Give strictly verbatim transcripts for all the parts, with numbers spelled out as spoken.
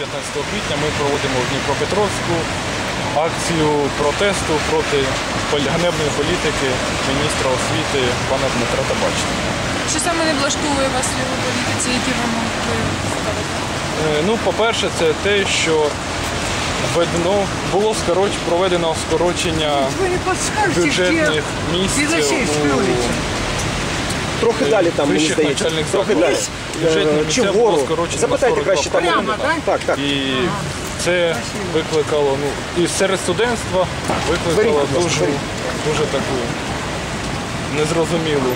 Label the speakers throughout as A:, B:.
A: п'ятнадцятого квітня ми проводимо в Дніпропетровську акцію протесту проти ганебної політики міністра освіти пана Дмитра Табачника.
B: Що саме не влаштовує вас в його політиці, які вимоги ви ставите?
A: Ну, по-перше, це те, що введено, було скороч, проведено скорочення бюджетних місць у
C: Трохи далі там, мені
A: вищих
C: здається.
A: навчальних
C: Трохи далі.
A: закладів. Бюджетні
C: Чи
A: місця було
C: вгору?
A: скорочено на
C: Запитайте
A: сорок
C: краще там.
A: два проценти.
C: Так, так.
A: І це викликало, ну, і серед студентства викликало
C: Беріть, будь ласка,
A: дуже,
C: беріть.
A: дуже таку незрозумілу.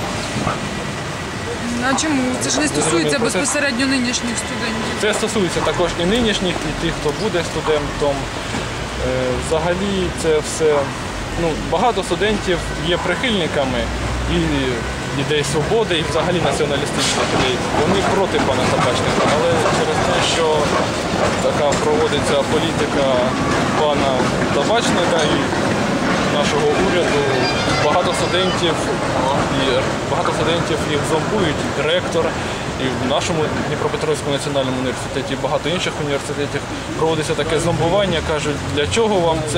B: А чому? Це ж не стосується
A: Процес.
B: безпосередньо нинішніх студентів.
A: Це стосується також і нинішніх, і тих, хто буде студентом. Е, Взагалі це все, ну, багато студентів є прихильниками і ідей свободи, і взагалі націоналістичних ідей. Вони проти пана Табачника, але через те, що така проводиться політика пана Табачника і нашого уряду, багато студентів, і багато студентів їх зомбують, ректор. І в нашому Дніпропетровському національному університеті, і багато інших університетів проводиться таке зомбування, кажуть, для чого вам це,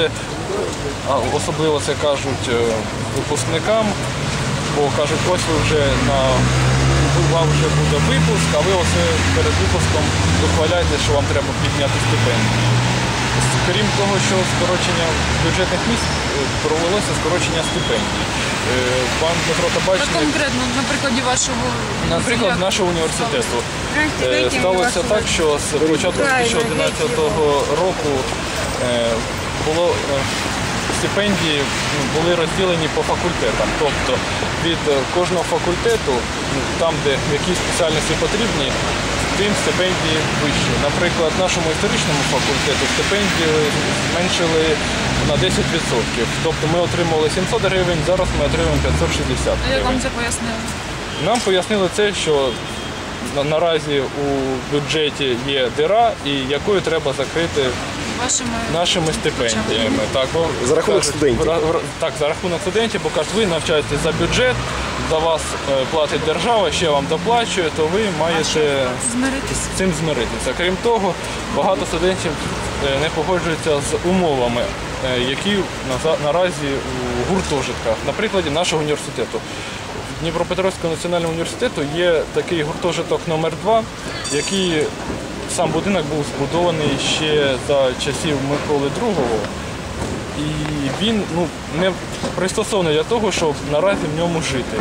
A: а особливо це кажуть е, випускникам, бо кажуть, ось ви вже на вам вже буде випуск, а ви оце перед випуском вихваляєте, що вам треба підняти стипендію. Крім того, що скорочення бюджетних місць, провелося скорочення стипендій. Пан Дмитро Табачник,
B: А конкретно, на прикладі вашого...
A: наприклад, нашого університету, е, сталося так, що з початку дві тисячі одинадцятого року е, було е, стипендії ну, були розділені по факультетам. Тобто від кожного факультету, там, де якісь спеціальності потрібні, тим стипендії вищі. Наприклад, нашому історичному факультету стипендії зменшили на десять відсотків. Тобто ми отримували сімсот гривень, зараз ми отримуємо п'ятсот шістдесят
B: А як вам
A: гривень.
B: це пояснили?
A: Нам пояснили це, що на- наразі у бюджеті є дира, і якою треба закрити
B: Вашими...
A: нашими стипендіями. Так, бо,
C: За рахунок
A: кажуть,
C: студентів.
A: в ра- в ра- Так, за рахунок студентів, бо кажуть, ви навчаєтесь за бюджет, за вас е, платить держава, ще вам доплачує, то ви маєте
B: Змиритися.
A: з цим змиритися. Крім того, багато студентів е, не погоджуються з умовами, е, які на- наразі у гуртожитках. На прикладі нашого університету. В Дніпропетровському національному університету є такий гуртожиток номер два, який сам будинок був збудований ще за часів Миколи Другого. І він ну, не пристосований для того, щоб наразі в ньому жити.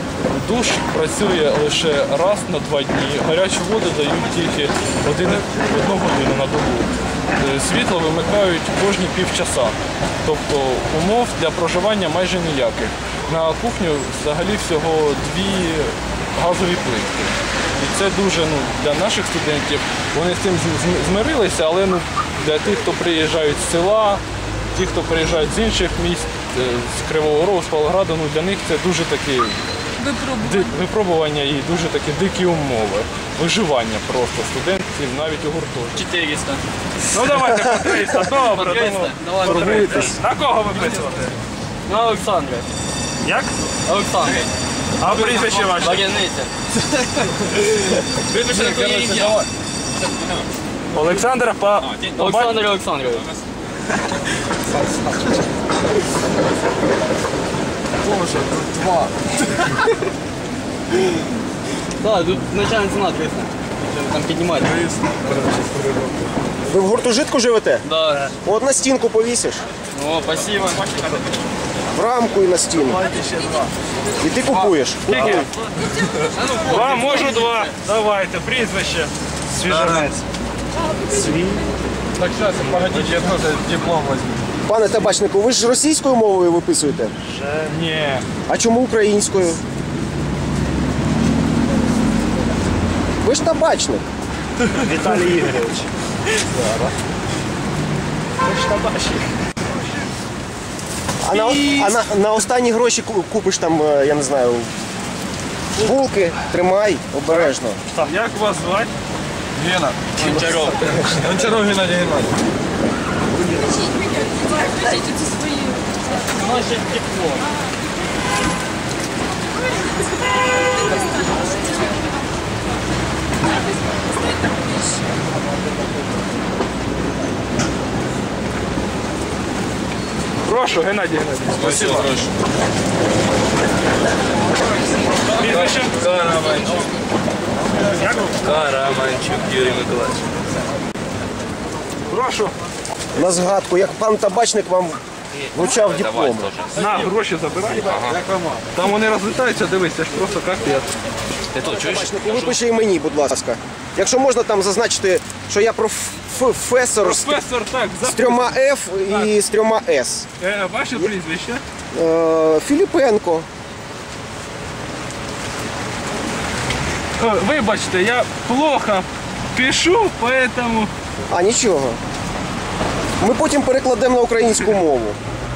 A: Душ працює лише раз на два дні, гарячу воду дають тільки один, одну годину на добу. Е, Світло вимикають кожні півчаса. Тобто умов для проживання майже ніяких. На кухню взагалі всього дві газові плитки. І це дуже ну, для наших студентів, вони з цим з- змирилися, але ну, для тих, хто приїжджають з села, ті, хто приїжджають з інших міст, е, з Кривого Рогу, з Павлограду, ну, для них це дуже такі
B: Випробування.
A: ди- випробування і дуже такі дикі умови. Виживання просто студентів навіть у гуртожитку.
D: четыреста.
A: Ну давайте по триста, добре.
D: триста. Давай,
A: по триста. На кого виписувати?
D: На Олександра.
A: Як?
D: Олександра.
A: А прізвище ваше?
D: Багяниця. Випиши на твоє ім'я.
A: Олександра по...
D: Олександр Олександрович.
C: Боже, тут два.
D: Так, тут начальна ціна триста. Що там піднімати?
C: Ви в гуртожитку живете?
D: Да.
C: От на стінку повісиш.
D: О, спасибо.
C: В рамку і на стіну. І ти купуєш. Купуй.
A: Два, можу два. Давайте, прізвище. Свіжанець. Свій. Так, зараз, погодіть, я теж диплом візьму.
C: Пане Табачнику, ви ж російською мовою виписуєте?
A: Ні.
C: А чому українською? Ви ж табачник.
A: Віталій Ігорович. Зараз. Ви ж табачник.
C: А на, а на, на останні гроші ку- купиш там, е, я не знаю, булки, тримай, обережно.
A: Як вас звати? Гена.
D: Гончаров.
A: Гончаров Геннадій Геннадійович.
B: Це свої.
D: Наше тепло.
A: Прошу, Геннадій Геннадійович. Спасибо. Прізвище?
E: Караманчук. Караманчук Юрій Миколаївич.
A: Прошу.
C: На згадку, як пан табачник вам вручав диплом.
A: На, гроші забирай. Там вони розлітаються, дивись, це ж просто капець.
E: Ти то чуєш?
C: І випиши і мені, будь ласка. Якщо можна там зазначити, що я професор з
A: Професор, так,
C: з трьома F і з трьома S.
A: Е, ваше прізвище?
C: Е, Філіпенко.
A: Е, Вибачте, я плохо пишу, поэтому...
C: А, нічого. Ми потім перекладемо на українську мову.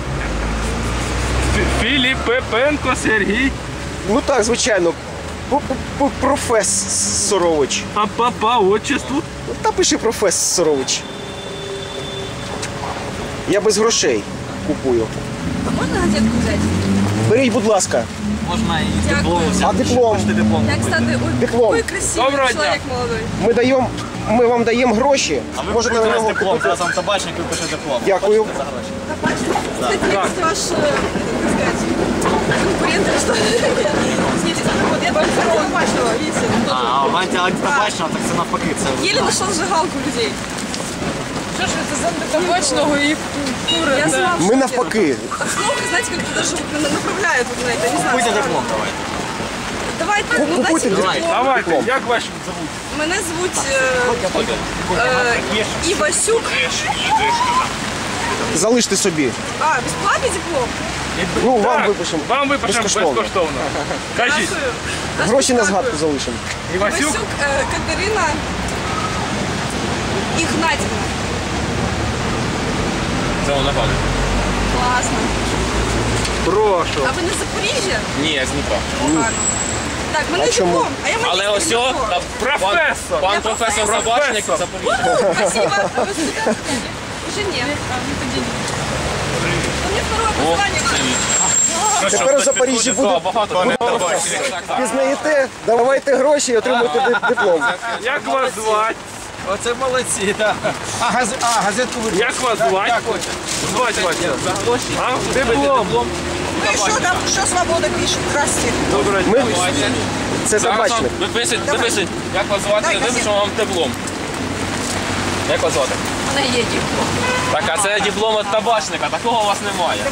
A: Фі- Філіпенко Сергій.
C: Ну так, звичайно. П- п- Професорович.
A: А по, по отчеству?
C: Та пиши професорович. Я без грошей купую.
B: А можна газетку взяти?
C: Беріть, будь ласка.
D: Можна і
B: Дякую.
C: А диплом?
D: диплом.
B: Як стати ой,
C: Диплом.
B: ой, красивий
A: Доброго дня.
B: чоловік молодий.
C: Ми даємо, ми вам даємо гроші. Можете на нього
D: диплом,
C: купити.
D: зараз вам табачник випише диплом.
C: Дякую.
B: Кстати, есть ваш, э, как сказать, конкурент или что? Извините, вот я вам второго табачного, видите? он тоже.
D: А, в антитабачного, так це навпаки. Це
B: Еле нашел зажигалку людей. Что ж это за табачного и куры? Я сама в
C: Ми
B: шоке.
C: навпаки.
B: Обстановка, знаете, как-то даже вот на- направляет вот на это, не знаю.
D: Купуйте
B: странно.
D: диплом, давайте.
B: Давайте, ну дайте
C: Купуйте
B: диплом.
C: диплом.
A: Давайте, як вас зовуть?
B: Мене звуть е, е, Івасюк.
C: Залиште собі.
B: А, безплатний диплом?
C: Ну, вам
A: Так,
C: випишемо.
A: Вам випишемо
C: безкоштовно.
A: безкоштовно. Кажіть,
B: Дякую.
C: Гроші на
B: Дякую.
C: згадку залишимо.
A: Івасюк?
B: Івасюк е, Катерина Ігнатівна.
E: Це вона пане.
B: Класно.
A: Прошу.
B: А ви не з Запоріжжя?
E: Ні, я з Дніпра.
B: Погано. Так, мене
C: А чому?
B: диплом. А я
E: Але
B: магістр
E: ось о,
B: диплом.
E: та
A: Професор.
E: Пан
B: Я
E: професор
B: професор.
E: Табачник
A: Професор.
E: Запоріжжя.
B: Спасибо. А вы студент? Уже нет. У меня второе послание.
C: Тепер у Запоріжжі буде.
E: Багато
C: Пізнаєте, давайте гроші і отримуйте ди- диплом.
A: Як вас звати?
D: Оце молодці, так. А, газ... а газетку ви...
A: Як вас звати? Звати вас. А? Диплом.
B: Ну и что там, что свобода пишет? Здравствуйте.
A: Доброго
C: Ми...
A: дня.
C: Це
E: Зараз вам
C: табачник.
E: виписують, виписують. Як вас звати?
B: Дай
E: Випишемо вам диплом. Як вас звати?
B: Она едет.
E: Так, а це диплом від табачника, такого у вас немає.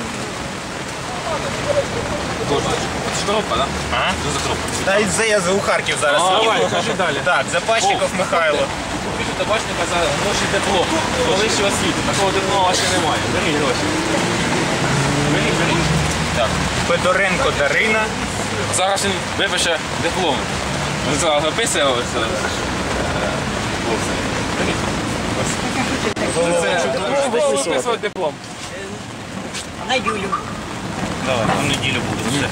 E: Це коробка, так? А? Що за коробка?
F: Та й це я у Харків зараз.
E: А,
F: їду.
A: Давай, кажи далі.
F: Так, Запачников Михайло.
E: Купіть у табачника за гроші диплом. Вищої освіти. Такого диплома ще немає. Беріть гроші. Беріть, беріть. Так.
F: Федоренко Дарина.
E: Зараз він випише диплом. Він зараз виписує ось. е, хлопці. Беріть.
A: Це виписувати диплом.
F: Давай, в неділю буду. Все.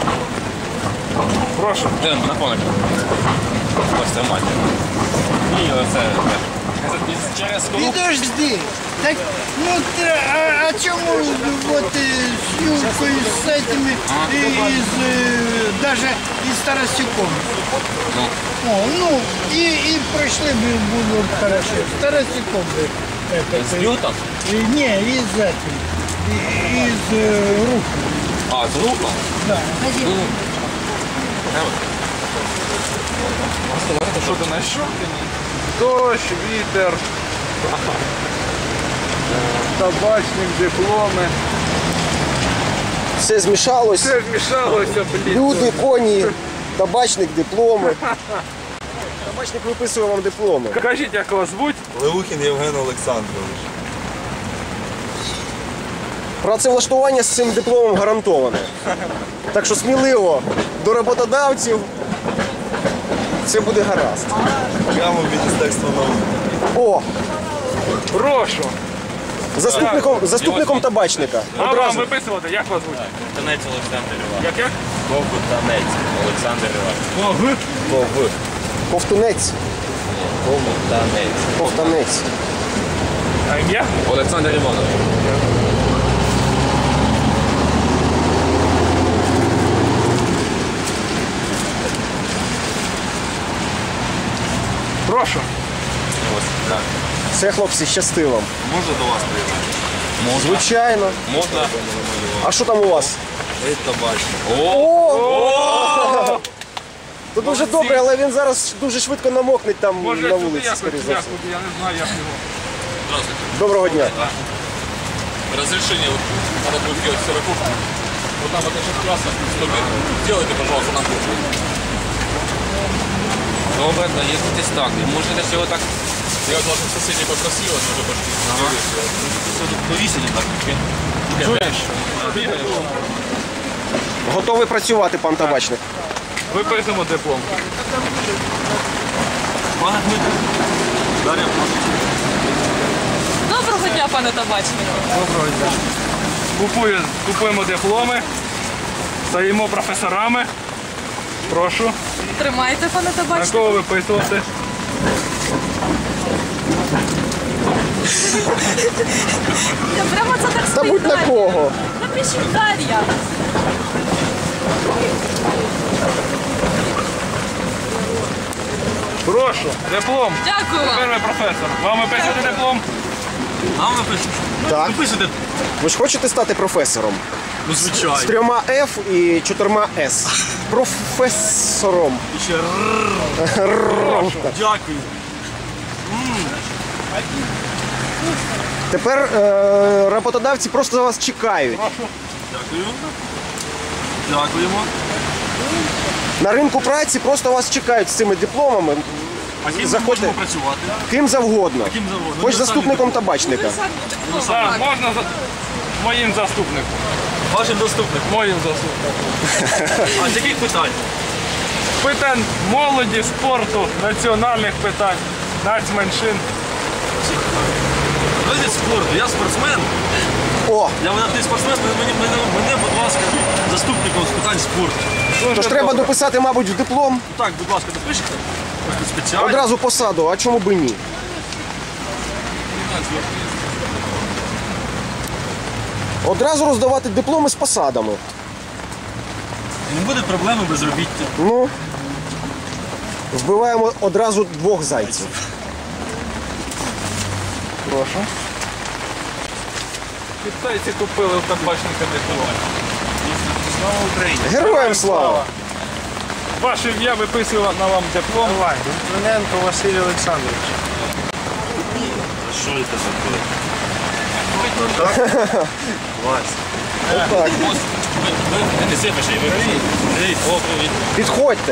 A: Прошу.
E: Де на коник? Ось це мать. І оце. теж. Через колу.
G: Подожди. Так, ну ты, а, а чему вот э, с Юлькой, с этими, и из, э, даже из Тарасюком? О, ну, и, и прошли бы будут хорошо. С Тарасюком бы. Это,
E: З лютом?
G: и, не, из этим, и- из э, рук.
E: А, з рухом?
G: Да.
A: Що ти на що? Дощ, вітер. Табачник, дипломи.
C: Все змішалось.
A: Все змішалося, блін.
C: Люди, коні, табачник, дипломи. Табачник виписує вам дипломи.
A: Кажіть, як вас звуть?
H: Леухін Євген Олександрович.
C: Працевлаштування з цим дипломом гарантоване. Так що сміливо до роботодавців. Це буде гаразд.
H: Прямо в Міністерство науки.
C: О,
A: Прошу.
C: заступником, заступником табачника.
A: А вам
C: Одразу.
A: виписувати, як вас звуть?
E: Танець Олександр Іванович.
A: Як як?
E: Ковтанець Олександр Іванович. Ков.
C: Ковтунець,
E: Ковтанець.
C: ковтанець.
A: А ім'я?
E: Олександр Іванович.
A: Прошу.
E: Ось, так.
C: Все, хлопці, щасти вам.
H: Можна до вас приєднати?
C: Звичайно.
E: Можна.
C: А що там у вас?
E: О!
C: То дуже добре, але він зараз дуже швидко намокне там
A: Може,
C: на
A: сюди
C: вулиці,
A: якось,
C: скоріше за все.
A: якось, я не знаю, як його.
E: Здравствуйте.
C: Доброго дня.
E: Разрешение, вот, надо будет делать сорокушку. Вот там вот эта трасса, сто метров. Сделайте, пожалуйста, на кухню. Добре, доїздитесь так. І можете всього так. Я от ваших сусідів попросила, щоб пошли. Ага. Все тут повісили так.
A: Чуєш?
C: Готовий працювати, пан табачник.
A: Виписуємо диплом.
E: Пане Дмитро. Дар'я,
B: Доброго дня, пане табачнику.
A: Доброго дня. Купую, купуємо дипломи, стаємо професорами. Прошу.
B: Тримайте, пане
A: На
B: табачнику.
A: кого виписувати?
B: Я прямо це так
C: Та будь на
B: спитаю.
C: кого.
B: Напишіть Дар'я.
A: Прошу. Диплом.
B: Дякую
A: Тепер
B: вам.
A: ви професор. Вам виписувати диплом?
E: нам напишете?
C: Так.
E: Напишете?
C: Ви ж хочете стати професором?
E: Ну,
C: З
E: звичайно.
C: трьома F і чотирма S. Професором.
E: І ще дякую.
C: Тепер е, роботодавці просто вас чекають.
E: Дякую. Дякуємо.
C: На ринку праці просто вас чекають з цими дипломами.
E: А ким ми
C: Заходьте.
E: можемо працювати?
C: Ким завгодно.
E: Ким завгодно.
C: Хоч
E: Ви
C: заступником табачника.
A: Так, можна за... моїм заступником.
E: Вашим доступником.
A: Моїм заступником.
E: А з яких питань?
A: Питань молоді, спорту, національних питань, нацменшин.
E: Види спорту, я спортсмен.
C: О,
E: Я видатний спортсмен, мені, мене, мене, будь ласка, заступником з питань спорту.
A: Дуже
C: тож треба
A: добре.
C: дописати, мабуть, в диплом
E: Так, будь ласка, допишете? Спеціально.
C: одразу посаду, а чому б і ні? Одразу роздавати дипломи з посадами.
E: Не буде проблеми безробіття.
C: Ну, вбиваємо одразу двох зайців.
A: Прошу. Китайці купили в табачника диплом.
E: Слава Україні.
C: Героям слава!
A: Ваше ім'я виписую на вам диплом.
H: Литвиненко Василь Олександрович.
E: Що це за
C: Отак.
E: Ви не сипиш, і ви привіт. О, привіт.
C: Підходьте.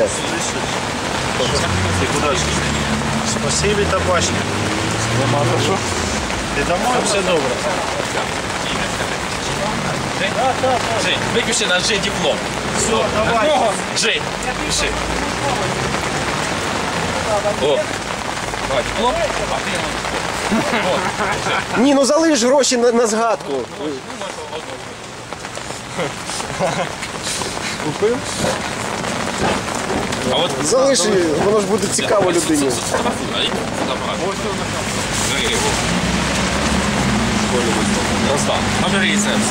E: Ти куди ж?
H: Спасибі табачник.
A: Нема за що.
H: Ти домой? Все добре.
E: Жень, випиши на Ж диплом. Все, давай. Жень, пиши. О. Давай, диплом. А ти на
C: Ні, ну залиш гроші на, на згадку.
A: Купив?
E: А от
C: Залиш, воно ж буде цікаво людині.
E: Сфотографуй, Бери його. Розстав. Набери і це все.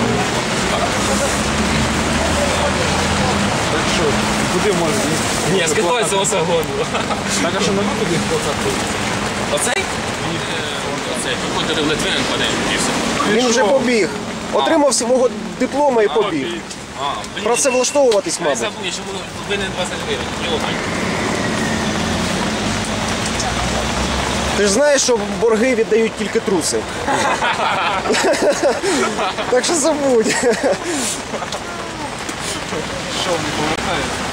A: Так що, куди можна?
E: Ні, скидайся оце году.
A: Так, а що на куди
E: Оцей? Оцей. Виходили в Литвиненко, а не і все.
C: Він вже побіг. Отримав свого диплома і побіг.
E: А, блін.
C: Працевлаштовуватись,
E: Я
C: мабуть.
E: забув, я ще був винен двадцять гривень. Йогань.
C: Ти ж знаєш, що борги віддають тільки труси. Так що забудь.
A: Що, не повертається?